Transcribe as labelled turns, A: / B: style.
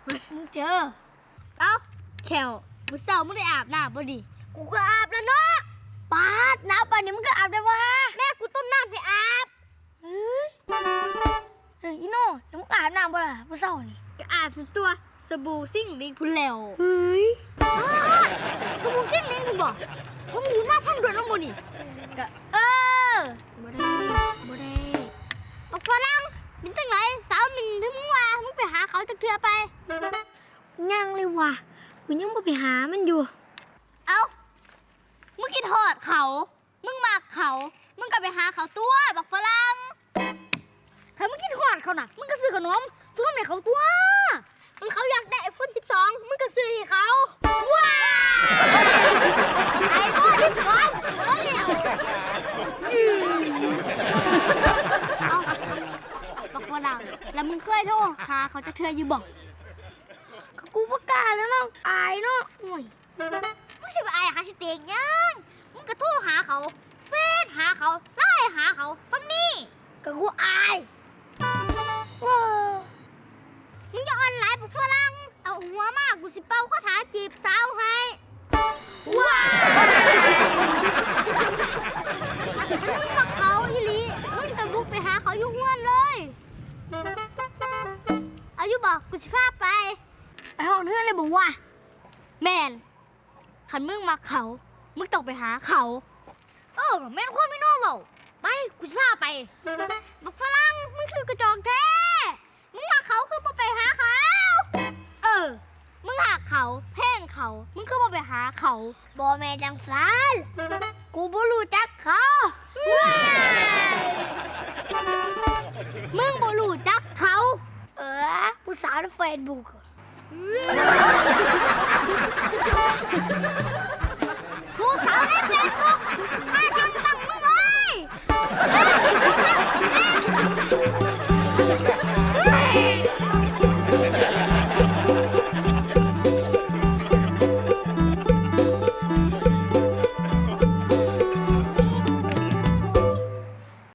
A: มึงเจอเอ้าแขวมึงเศร้ามึงได้อาบน้ำบ่ดิกูก็อาบแล้วเนาะปาดน้ำป่านนี้มึงก็อาบได้วะแม่กูต้มน้ำให้อาบเฮ้ยอีโน่แล้วมึงอาบน้ำบ่ล่ะมึงเศร้านี่ก็อาบตัวสบู่ซิ่งลิงพุ่นแล้วเฮ้ยสบู่ซิ่งลิงพุ่นบ่ผมอยู่มาพังด่วนน้องบ่นี่ก็บ่ได้บอกฝรั่งเป็นจังไรสาวมินถึงมึงว่ามึงไปหาเขาจักเทื่อไปยังเลยว่ะกูยังบ่ไปหามันอยู่เอ้ามึงคิดทอดเขามึงมากเขามึงก็ไปหาเขาตัวบอกฝรั่งถ้ามึงคิดทอดเขาน่ะมึงก็ซื้อขนมให้เขาตัวมึงเขาอยากได้iPhone 12มึงก็ซื้อให้เขาว้าiPhone 12เดี๋ยวเอาบอกฝรั่งแล้วมึงเคยโทรหาเขาจักเทื่ออยู่บ่กูประกาศแล้วเนาะอายเนาะโอ้ยมึงสิไปอายหาสเต็กยังมึงก็โทรหาเขาเฟซหาเขาไลน์หาเขาฟังนี่ก็กูอายมึงจะออนไลน์ปุ๊บฝรั่งเอาหัวมากกูสิเป่าคาถาจีบสาวให้ว้าวถ้ามึงบอกเขาอีหลีมึงจะบุกไปหาเขาอยู่ห้วนเลยเอาอยู่บอกกูสิพาไปห้องเพื่อนเลยบอกว่าแมนขันมึงมาเขามึงต้องไปหาเขาแมนความไม่นอเบาไปกูจะพาไปบอกฝรั่งมึงคือกระจอกแท้มึงมาเขาคือมาไปหาเขามึงหาเขาแพ่งเขามึงคือมาไปหาเขาบอแม่จังสารกูบ่รู้จักเขามึงบ่รู้จักเขาผู้สาวในเฟซบุ๊ก